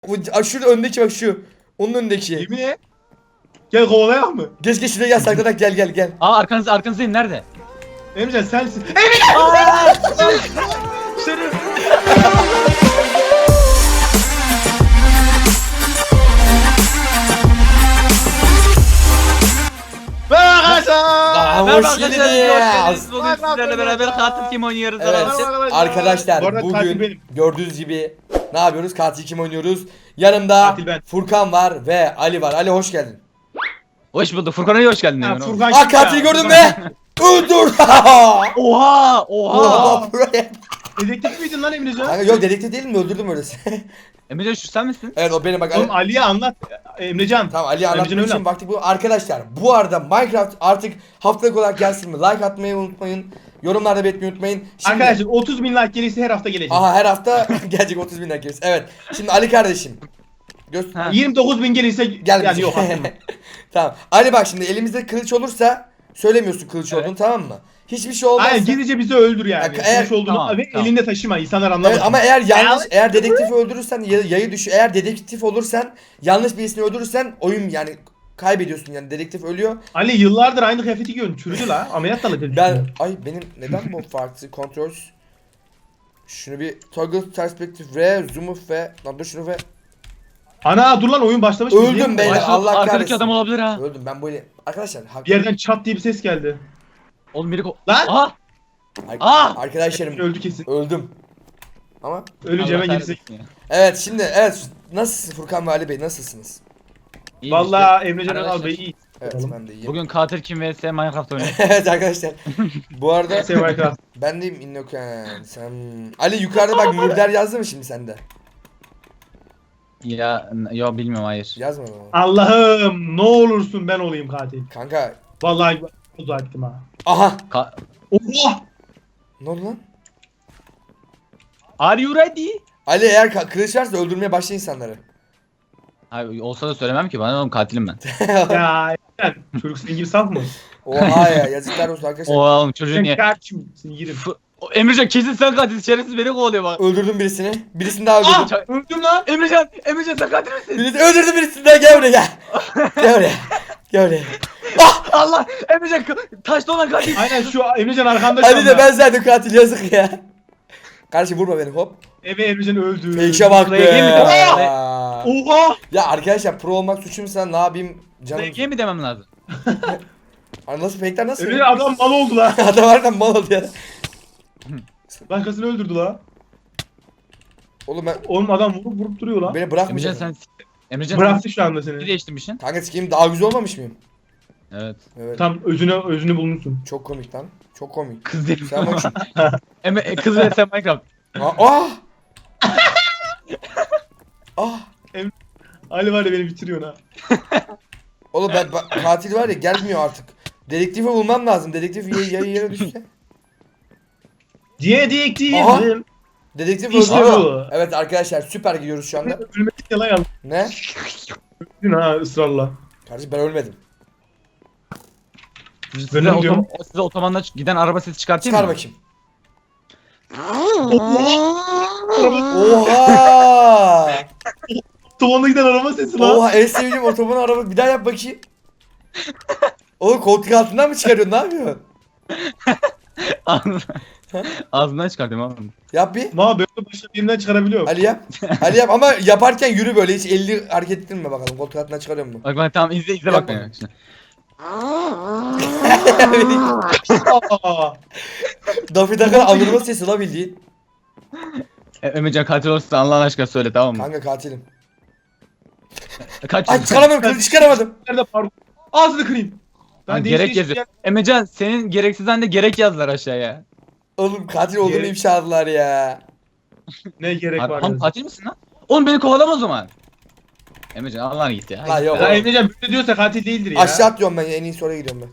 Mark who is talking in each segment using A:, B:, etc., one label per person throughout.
A: Şurada öndeki bak şu. Onun önündeki.
B: Yemin. Gel kovalayak mı?
A: Geç şuraya gel saklanarak gel.
C: Aa arkanızdayım nerede?
B: Emrecan sensin. Şerif. Merhaba arkadaşlar.
C: Merhaba
A: Hoş geldiniz.
C: geldiniz. Bugün sizlerle beraber katil kim oynuyoruz?
A: Evet
B: Merhaba
A: arkadaşlar
B: Bu arada katil
A: bugün
B: benim.
A: gördüğünüz gibi ne yapıyoruz? Katil kim oynuyoruz? Yanımda
B: Katil ben.
A: Furkan var ve Ali var. Ali hoş geldin.
C: Hoş bulduk. Furkan'a iyi hoş geldin.
B: Ha,
C: Furkan.
B: Furkan
A: Ah
B: kim
A: katili
B: ya?
A: gördün
B: Furkan.
A: mü? Öldür.
C: Oha!
A: Oha, buraya.
B: Dedektif miydin lan Emrecan?
A: Kanka yok dedektif değilim mi? Öldürdüm öylesi.
C: Emrecan şu sen misin?
A: Evet o benim bak.
B: Oğlum Ali'ye anlat. Emrecan.
A: Tamam Ali'ye
B: Emrecan
A: anlatmak için
B: öyle.
A: vakti bu. Arkadaşlar bu arada Minecraft artık haftalık olarak gelsin mi? Like atmayı unutmayın. Yorumlarda belirtmeyi unutmayın. Şimdi,
B: Arkadaşlar 30.000 like gelirse her hafta gelecek.
A: aha her hafta gelecek 30 bin like gelirse. Evet. Şimdi Ali kardeşim.
C: Ha.
B: 29.000 gelirse
A: Gel.
B: yani yok aslında.
A: Tamam. Ali bak şimdi elimizde kılıç olursa söylemiyorsun kılıç
C: Evet.
A: olduğunu tamam mı? Hiçbir şey olmazsa.
B: Aynen gizlice bizi öldür yani.
A: Bak, eğer-
B: Kılıç olduğunu
C: Tamam,
B: ve
C: tamam.
B: elinde taşıma insanlar anlamasın.
A: Evet, ama eğer dedektifi öldürürsen yayı düş. Eğer dedektif olursan yanlış birisini öldürürsen oyun yani kaybediyorsun yani dedektif ölüyor.
B: Ali yıllardır aynı kıyafeti giyiyorsun. Çürüdü la. Ameliyat dalı dedi.
A: Benim neden bu farklı kontrol? Şunu bir toggle perspektif ve zoom ve lan dur şunu ve
B: Ana dur lan oyun başlamış.
A: Öldüm
B: Değil mi?
A: beyler.
C: Ay, şu
A: Allah
C: arkadaki
A: kahretsin.
C: adam olabilir ha.
A: öldüm ben böyle arkadaşlar
B: Bir yerden çat diye bir ses geldi.
C: Oğlum biri
B: Lan!
C: Aha!
A: arkadaşlarım
B: Öldü kesin.
A: öldüm. Ama
B: Öleceğime
C: Allah
B: girsek.
C: kahretsin ya.
A: evet şimdi nasılsınız Furkan ve Ali Bey nasılsınız?
C: İyi
B: Valla Emrecan
C: Arkadaşlar,
B: al be iyi.
A: Evet
B: Bakalım.
A: ben de iyiyim.
C: Bugün katil kim vs Minecraft oynuyor.
A: Evet arkadaşlar. Bu arada
B: Sevayka.
A: ben deyim Innoken. Sen Ali yukarıda bak Murder yazdı mı şimdi sende?
C: Ya yo bilmiyorum hayır.
A: Yazmadı mı?
B: Allah'ım ne olursun ben olayım katil.
A: Kanka
B: Vallahi uzak ettim ha.
A: aha
C: Ka
B: Oha!
A: ne oldu lan?
C: Are you ready?
A: Ali eğer kılıç varsa öldürmeye başla insanları.
C: Hayır olsa da söylemem ki bana oğlum katilim ben.
B: Ya Emrecan çocuk senin gibi saf mı?
A: Oha ya yazıklar olsun arkadaşlar.
C: Oha oğlum çocuğun
B: Sen
C: niye?
B: kaçım seni yerim.
C: Emrecan kesin sen katil şerefsiz beni kovalıyor bak.
A: Öldürdüm birisini. Birisini daha öldürdüm.
B: Öldüm lan.
C: Emrecan sen katil misin?
A: Öldürdüm birisini daha gel buraya gel. Gel buraya. Gel buraya.
C: Allah! Emrecan taşta olan katil.
B: Aynen şu Emrecan arkanda şu
A: Ali de
B: anda.
A: ben zaten katil yazık ya. Kardeşim vurma beni hop.
B: Eve Emrecan öldü.
A: Fake'e bak
C: Buraya gel mi
A: be.
C: demem?
B: Oha!
A: Ya arkadaşlar pro olmak suçum sen ne yapayım canım.
C: Peki mi demem lazım?
A: Abi nasıl fake'ler nasıl?
B: Emrecan adam mal oldu lan.
A: Adam harbiden mal oldu ya.
B: Başkasını öldürdü la.
A: Oğlum ben
B: Oğlum adam vurup duruyor lan.
A: beni
C: Emrecan
A: bırakmayacak.
C: sen Emrecan
B: Bıraktı şu anda
C: sen
B: seni.
C: değiştirmişsin.
A: Kanka sikeyim daha güzel olmamış mıyım?
C: Evet.
A: Evet.
B: Tam özünü bulmuşsun.
A: Çok komik lan. Çok komik.
C: Kız değilim.
A: Sen bak şu.
C: Kız vs Minecraft.
A: Ah! Ah!
B: Ali var ya beni bitiriyor ha.
A: Oğlum katil var ya gelmiyor artık. Dedektifi bulmam lazım. Dedektif yere düşse.
B: Dedektifim.
A: Dedektif
B: İşte
A: öldü.
B: bu.
A: Evet arkadaşlar süper gidiyoruz şu anda.
B: Ölmedik yalan yalan.
A: Ne?
B: Öldün ha ısrarla.
A: Kardeşim ben ölmedim.
B: Dönem diyorum.
C: Size otobandan giden araba sesi çıkartayım
A: Çıkar
C: mı?
A: bakayım.
B: Araba
A: Oha!
B: tavanına giden araba sesi lan.
A: Oha en sevdiğim otoban araba. Bir daha yap bakayım. Oğlum koltuk altından mı çıkarıyorsun? Ne yapıyorsun?
C: Ağzından çıkartıyorum oğlum.
A: Yap bir.
B: Ma böyle başka birinden çıkarabiliyorum.
A: Ali yap. Ali yap ama yaparken yürü böyle hiç elini hareket ettirme bakalım. Koltuk altından çıkarıyor mu?
C: Bak bak tamam izle
A: Yap
C: bak
A: bakalım.
C: beni. Şimdi.
B: Aa,
A: Daffy Duck'ın alırma sesi la bildiğin.
C: Emrecan katil olursa Allah'ın aşkına söyle tamam mı?
A: Kanka katilim.
C: Kaç
A: Ay çıkaramadım kılıcı çıkaramadım.
B: nerede parkur? Ağzını kırayım.
C: Lan
B: değiş
C: gerek
B: değiş
C: yazıyor. Emrecan senin gereksizden de gerek yazdılar aşağıya.
A: Oğlum katil olduğunu
B: Gerek-
A: ifşa aldılar ya.
B: Ne gerek var?
C: Oğlum katil misin lan? Oğlum beni kovalama o zaman. Emrecan Allah'ına git ya.
A: La yok.
B: Ya Emrecan böyle diyorsa katil değildir ya.
A: Aşağı atlıyorum ben en iyisi oraya gidiyorum ben.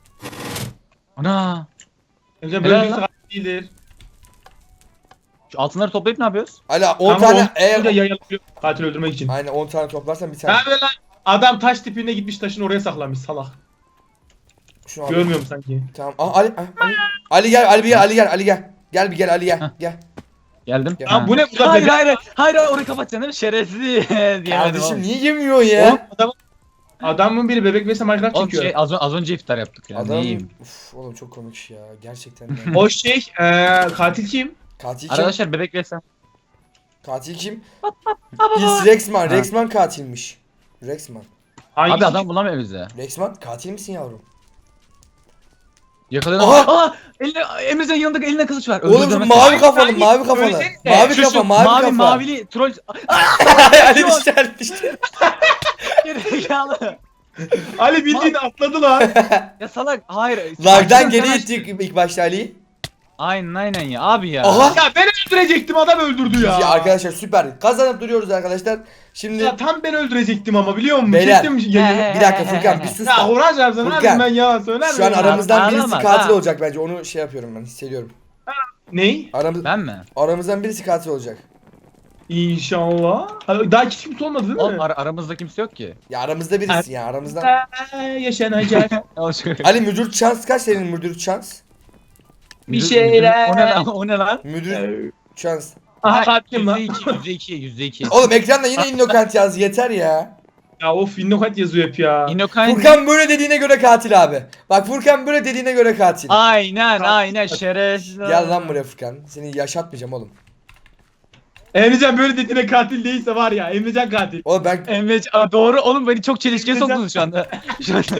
C: Ana.
B: Emrecan böyle
C: Helal
B: diyorsa
C: lan.
B: katil değildir.
C: Şu altınları toplayıp ne yapıyoruz?
A: Hala 10
B: Kanka,
A: tane
B: onu
A: eğer...
B: yayılıyor katil öldürmek için.
A: Aynen 10 tane toplarsan bir tane.
B: Ha böyle lan. Adam taş tipine gitmiş taşın oraya saklamış salak.
A: Şunu al.
B: Görmüyorum sanki.
A: Tamam. Aa, Ali gel Ali bir gel Ali gel. Gel bir gel Ali gel.
C: Heh.
A: Gel.
C: Geldim.
A: Ya
B: Lan bu ne burada
C: Hayır
B: bebek?
C: hayır orayı kapatacaksın değil mi? Şerefsiz diyemedim.
A: Kardeşim
C: oğlum.
A: niye yemiyor
B: Oğlum
A: ya?
B: adamın biri bebek vs Minecraft
C: Oğlum
B: çekiyor.
C: şey az önce iftar yaptık ya.
A: Adam
C: Neyim?
A: Uf, oğlum çok komik ya gerçekten.
B: O şey katil kim?
A: Katil kim?
C: Arkadaşlar bebek ve sen.
A: Katil kim? Is Rexman. Rexman katilmiş. Rexman.
B: Hangisi?
C: Abi adam bulamıyor bize.
A: Rexman katil misin yavrum?
C: Yakaladım.
A: Aha!
C: Aa! Emrecan yanında eline kılıç var.
A: Oğlum
C: Öldürdüm
A: şu mavi
C: mesela.
A: kafalı, mavi kafalı.
B: Söylesene.
A: Mavi
C: Şu,
A: kafa,
C: şu,
A: mavi kafa.
C: mavili troll.
A: Ali düştü, Ali düştü.
C: Gerizekalı.
B: Ali bildiğin atladı lan.
C: Ya salak. Hayır.
A: Lag'dan
C: Açtın,
A: geri
C: sen
A: ittik ilk başta Ali'yi.
C: Aynen ya abi ya.
A: Aha!
B: Ya ben öldürecektim adam öldürdü ya.
A: Ya arkadaşlar süper. Kazanıp duruyoruz arkadaşlar. Şimdi
B: Ya tam ben öldürecektim ama biliyor musun?
A: Beyler.
B: Çektim
C: He,
B: yayını.
C: he.
A: bir dakika Furkan bir sus
B: Ya
A: da.
B: Horaz yapsın
A: Furkan,
B: harbiden ben yalan söyler
A: Şu an
B: miyim?
A: aramızdan birisi
C: Ağlama,
A: katil
C: ha.
A: olacak bence. Onu şey yapıyorum ben hissediyorum.
B: Ney?
C: Ben mi?
A: Aramızdan birisi katil olacak.
B: İnşallah. Daha hiç kimse olmadı değil mi?
C: Oğlum aramızda kimse yok ki.
A: Ya aramızda birisi ya aramızdan.
B: Yaşanacak.
A: Ali müdür şans kaç senin müdür şans?
B: Bir şeyler.
C: O ne lan? O ne lan?
A: Müdür şans.
B: Aha katil lan.
C: %2.
A: Oğlum ekranda yine innokant yazdı yeter ya.
B: Ya of Innokat yazıyor hep ya.
C: Inokain.
A: Furkan böyle dediğine göre katil abi. Bak Furkan böyle dediğine göre katil.
C: Aynen şerefsiz.
A: Gel lan buraya Furkan. Seni yaşatmayacağım oğlum.
B: Emrecan böyle dediğine katil değilse var ya. Emrecan katil.
A: Oğlum ben
C: Emrecan doğru oğlum beni çok çelişkiye soktunuz şu anda. Şu anda.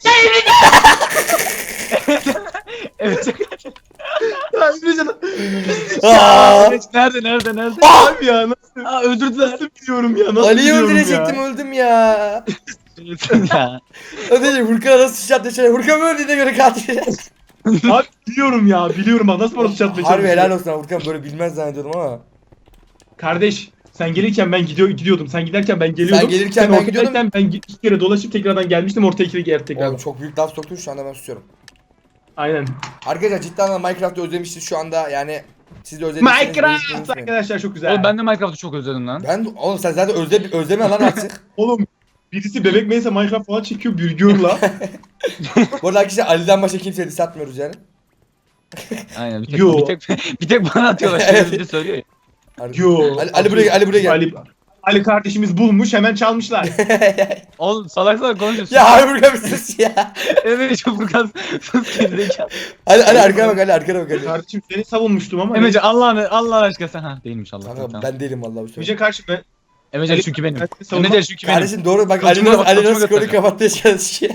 C: Emrecan.
B: Ya Emrecan.
A: Aa!
C: Nerede?
B: Abi ya nasıl?
C: Aa öldürdüler.
B: Nasıl biliyorum ya? Nasıl
A: Ali'yi
B: biliyorum
A: öldürecektim
B: ya?
A: öldüm ya.
C: ya.
A: Ödeyeceğim Furkan'a nasıl sıçrattı şöyle. Furkan böyle dediğine göre katil.
B: Abi biliyorum ya. Biliyorum ha. Nasıl bana çatmaya
A: Harbi helal olsun abi, Furkan böyle bilmez zannediyordum ama.
B: Kardeş sen gelirken ben gidiyordum. Sen giderken ben geliyordum.
A: Sen gelirken ben gidiyordum.
B: ortadayken ben iki kere dolaşıp tekrardan gelmiştim. Ortaya iki kere tekrar.
A: Oğlum çok büyük laf soktun şu anda ben susuyorum.
B: Aynen.
A: Arkadaşlar cidden Minecraft'ı özlemişiz şu anda yani. Siz de özlemişsiniz.
B: Minecraft arkadaşlar çok güzel.
C: Oğlum ben de Minecraft'ı çok özledim lan.
A: Oğlum sen zaten özleme lan artık.
B: Oğlum birisi bebek meyse Minecraft falan çekiyor bürgürla.
A: Bu arada arkadaşlar Ali'den başka kimseye diss atmıyoruz yani.
C: Aynen
B: Yo.
C: bir tek bana atıyorlar. Şöyle bir de söylüyor ya.
B: Yo.
A: Ali buraya gel, Ali buraya gel.
B: Ali kardeşimiz bulmuş hemen çalmışlar.
C: Oğlum salak konuşuyorsun.
A: Ya harbi Furkan bir sus ya.
C: Evet çok Furkan sus gerizekalı.
A: Ali arkana bak arkana bak Ali.
B: Kardeşim seni savunmuştum ama.
C: Emrecan Allah aşkına sen ha değilmiş Allah.
A: Kanka
C: Tamam.
A: ben değilim vallahi bu sefer.
B: Emrecan karşı ben.
C: Emrecan çünkü benim.
B: Ben seni savunmam.
C: Emrecan çünkü benim.
A: Kardeşim doğru bak
C: Kılıcıma bak,
A: Ali
C: kılıcıma
A: nasıl konuyu
C: göstereceğim.
A: kapatmaya çalışıyor.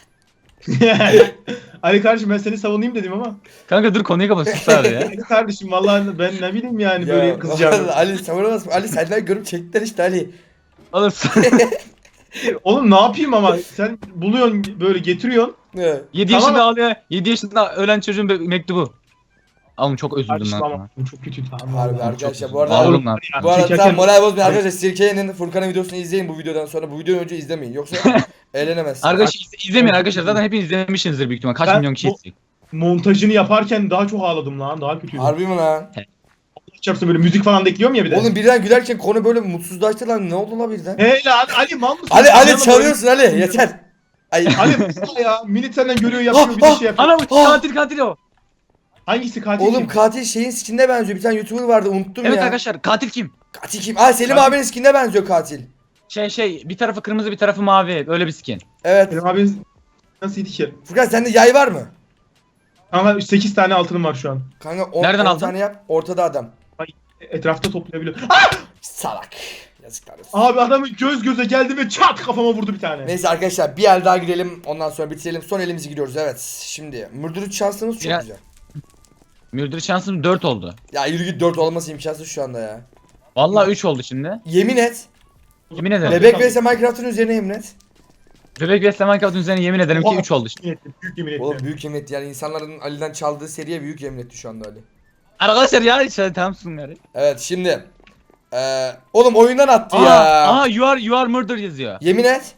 B: Ali kardeşim ben seni savunayım dedim ama.
C: Kanka dur konuyu kapat sus abi ya.
B: Ali kardeşim vallahi ben ne bileyim yani
A: Ya,
B: böyle kızacağım.
A: vallahi Ali savunamaz mı? Ali senden görüp çektiler işte Ali.
C: Oğlum
B: Oğlum ne yapayım ama sen buluyorsun böyle getiriyorsun.
A: Ne?
C: 7
B: Tamam.
C: yaşında ağlıyor. 7 yaşında ölen çocuğun mektubu. Oğlum çok üzüldüm
B: Kardeşim
C: lan.
B: ama çok kötü.
A: Harbi arkadaşlar
C: Çok
A: bu arada
C: Ağladım lan.
A: bu arada
B: Çekerken-
A: tamam moral bozmayın arkadaşlar Sirke'nin Furkan'ın videosunu izleyin bu videodan sonra bu videodan önce izlemeyin yoksa eğlenemezsiniz.
C: Arkadaşlar izlemeyin arkadaşlar zaten hepiniz izlemişsinizdir büyük ihtimal. Kaç
B: Ben
C: milyon kişi
B: bu-
C: izleyecek.
B: Montajını yaparken daha çok ağladım lan. Daha kötüydü.
A: Harbi mi lan?
B: Çarpsın böyle müzik falan da ekliyorum ya bir de.
A: Oğlum birden gülerken konu böyle mutsuzlaştı lan ne oldu la birden?
B: Hey lan Ali mal mısın?
A: Ali
B: Yanıma
A: çalıyorsun Ali yeter. Ay
B: böyle- Ali mısın ya? Militerden görüyor yapıyor bir de şey yapıyor.
C: Anam
A: Ah!
C: katil o.
B: Hangisi katil
A: oğlum
B: kim?
A: katil şeyin skinine benziyor bir tane YouTuber vardı unuttum
C: Evet
A: ya.
C: arkadaşlar katil kim?
A: Katil kim? Aa Selim
B: Katil-
A: abinin skinine benziyor katil.
C: Bir tarafı kırmızı bir tarafı mavi öyle bir skin.
A: Evet.
B: Benim abi nasılydı ki?
A: Furkan sende yay var mı?
B: Kanka 8 tane altınım var şu an.
A: Kanka 10
C: Nereden aldın?
A: tane yap ortada adam.
B: Etrafta toplayabiliyor.
A: Salak. Yazıklar olsun.
B: Abi adamı göz göze geldi ve çat kafama vurdu bir tane.
A: Neyse arkadaşlar bir el daha girelim ondan sonra bitirelim son elimizi giriyoruz evet. Şimdi mürdürü şansımız çok
C: Ya-
A: güzel.
C: Müldür şansım 4 oldu.
A: Ya yürü git 4 olması imkansız şu anda ya.
C: Vallahi 3 oldu şimdi.
A: Yemin et.
C: Yemin ederim.
A: Bebek vs Minecraft'ın üzerine yemin et.
C: Bebek ve Minecraft'ın üzerine yemin ederim ki
B: Oha.
C: 3 oldu şimdi.
B: Yemin ettim, büyük yemin ettim.
A: Oğlum büyük yemin etti yani insanların Ali'den çaldığı seriye büyük yemin etti şu anda Ali.
C: Arkadaşlar ya işte tamamsın yani.
A: Evet şimdi. Oğlum oyundan attı ya.
C: Aa you are murder yazıyor.
A: Yemin et.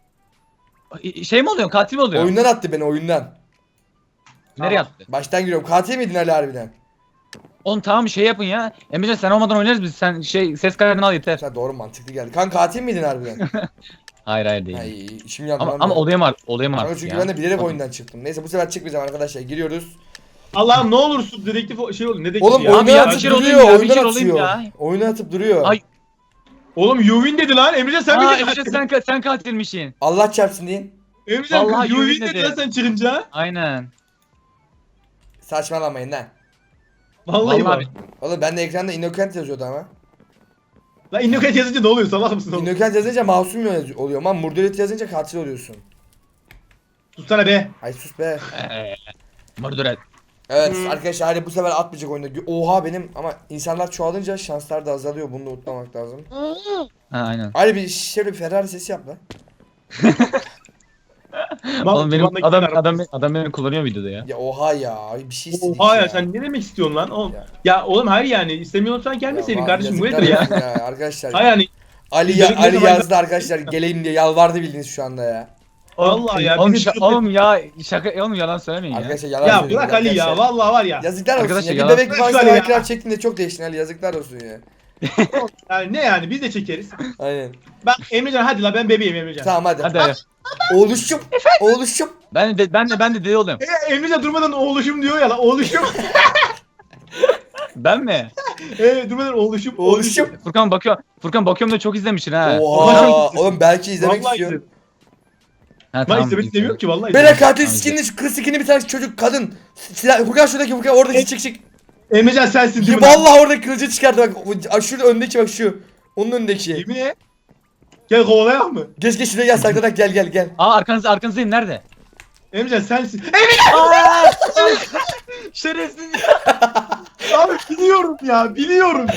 C: Şey mi oluyor? Katil mi oluyor?
A: Oyundan attı beni oyundan.
C: Nereye attı?
A: Baştan giriyorum. Katil miydin Ali harbiden?
C: Oğlum tamam şey yapın ya. Emrecan sen olmadan oynarız biz. Sen ses kaydını al yeter.
A: Sen doğru mantıklı geldi. Kanka katil miydin harbiden?
C: Hayır değil.
A: Ay işim yandı
C: Ama
A: lan
C: ama
A: benim.
C: olaya mı
A: Kanka
C: artık
A: çünkü
C: ya?
A: ben de bilerek
C: Bakın.
A: oyundan çıktım. Neyse bu sefer çıkmayacağım arkadaşlar. Giriyoruz.
B: Allah'ım ne olursun dedektif şey olur. Ne dedektif
A: Oğlum
B: ya?
C: Abi
A: oyunu
C: ya,
A: atıp
C: bir kere olayım
A: duruyor.
C: ya, bir
A: Oyundan
C: kere olayım
A: atıyor.
C: ya.
A: Oyunu atıp duruyor.
C: Ay.
B: Oğlum you win dedi lan. Emrecan sen
C: Aa
B: mi
C: Emrecan sen katilmişsin.
A: Allah çarpsın deyin.
B: Emrecan
C: Vallahi
B: you
C: you
B: win
C: win
B: dedi
C: dedi.
B: lan sen çıkınca.
C: Aynen.
A: Saçmalamayın lan.
B: Vallahi bak.
C: Vallahi
A: Oğlum bende ekranda Innocent yazıyordu ama.
B: Lan Innocent yazınca ne oluyor? Salak mısın oğlum?
A: Innocent yazınca masum oluyor ama Murderit yazınca katil oluyorsun.
B: Tutsana be.
A: Ay sus be.
C: Murder et.
A: Evet arkadaşlar hadi bu sefer atmayacak oyunda. Oha benim ama insanlar çoğalınca şanslar da azalıyor. Bunu da unutmamak lazım.
C: Ha aynen.
A: Hadi bir şöyle bir Ferrari sesi yap lan.
C: Oğlum benim
B: Kulağındaki
C: adam
B: araba-
C: adam beni kullanıyor videoda ya.
A: Ya oha ya bir şey istedik
B: Oha ya sen ne demek istiyorsun lan? Oğlum.
A: Ya.
B: Ya oğlum hayır yani istemiyorsan gelmeseydin kardeşim bu
A: yazıklar
B: nedir ya?
A: olsun arkadaşlar.
B: Hayır yani
A: Ali
B: Benim ne
A: Ali
B: zaman-
A: yazdı arkadaşlar geleyim diye yalvardı bildiğiniz şu anda ya.
B: vallahi ya.
C: Oğlum,
B: bizi-
C: oğlum ya şaka oğlum yalan söylemeyin ya.
A: Arkadaşlar yalan
B: Ya
A: söylüyorum
B: bırak Ali ya
A: arkadaşlar.
B: vallahi var ya.
A: Yazıklar olsun
C: Arkadaşlar
A: ya. Bir
C: yalan-
A: bebek
B: Bırak
A: varsa
B: Ali ya.
A: Minecraft çektiğinde çok değiştin Ali yazıklar olsun ya.
B: Yani ne yani biz de çekeriz.
A: Aynen.
B: Ben Emrecan hadi la ben bebeğim Emrecan.
A: Tamam hadi.
C: Hadi.
A: Oğluşum. Oğluşum.
C: Ben de deli olayım.
B: Emrecan durmadan oğluşum diyor ya la oğluşum.
C: Ben mi?
B: Durmadan oğluşum.
A: Oğluşum.
C: Furkan bakıyorum da çok izlemişsin ha.
A: Oha. Oğlum belki izlemek
B: Vallahi
A: istiyorum.
B: izledim.
C: Ha,
B: Ben izlemek istemiyorum ki vallahi.
A: Bela
B: izlemek.
A: katil
C: Tamam,
A: skinli şu kız skinli bir tane çocuk kadın. Silah, Furkan şuradaki Furkan oradaki çık.
B: Emrecan sensin değil
A: Ya
B: mi? lan?
A: vallahi orada kılıcı çıkardı bak. Şurada öndeki bak şu. Onun önündeki.
B: Yemin et. Gel kovalayak mı?
A: Geç geç şuraya gel saklanarak gel.
C: Aa arkanızdayım nerede?
B: Emrecan sensin.
C: Şerefsiz.
B: Abi biliyorum ya biliyorum.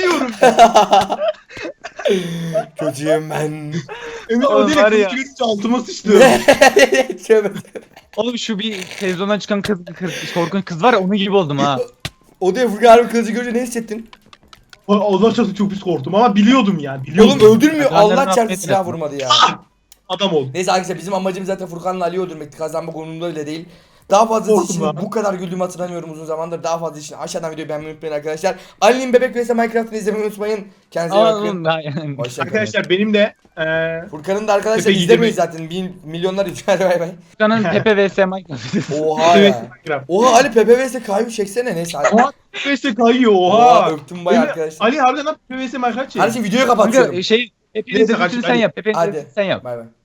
A: Kötüyüm ben.
B: Emrecan
C: Oğlum
B: o direkt
C: var ya.
B: kılıcı görünce altıma sıçtı.
A: Tövbe.
C: Oğlum şu bir televizyondan çıkan kız korkunç kız var ya onun gibi oldum ha.
A: O da Furkan harbi kılıcı görünce ne hissettin?
B: Allah çarptı çok pis korktum ama biliyordum ya. Biliyordum.
A: Oğlum öldürmüyor.
C: Adrenalin
A: Allah çarptı
C: affetmez.
A: silah vurmadı ya.
B: Adam ol.
A: Neyse arkadaşlar bizim amacımız zaten Furkan'la Ali'yi öldürmekti. Kazanmak umurumda bile değil. Daha fazlası
B: Korktum
A: için
B: lan.
A: bu kadar güldüğümü hatırlamıyorum uzun zamandır. Daha fazla için aşağıdan videoyu beğenmeyi unutmayın arkadaşlar. Ali'nin Bebek vs Minecraft'ını izlemeyi unutmayın. Kendinize iyi bakın.
C: Oğlum ben
A: Hoşça kalın.
B: Arkadaşlar benim de
A: Furkan'ın da arkadaşlar
B: Pepe
A: izlemiyor
B: gidemi-
A: zaten. Milyonlar izler bay bay.
C: Furkan'ın Pepe vs Minecraft.
A: Oha
B: evet,
A: ya.
B: Minecraft.
A: Oha Ali Pepe vs Kayu çeksene neyse. Hadi.
B: Oha PvS kayıyor
A: Oha
B: oha.
A: öptüm bayağı
B: Emre-
A: arkadaşlar.
B: Ali harbiden lan PvS Minecraft çek.
A: Her şey videoyu kapatıyorum.
C: Kanka şey Pepe'nin
B: Neyse,
C: dediklerini
B: kaç-
C: sen
B: hadi.
C: yap. Pepe'nin
A: Hadi.
C: dediklerini sen yap.
A: Bay bay.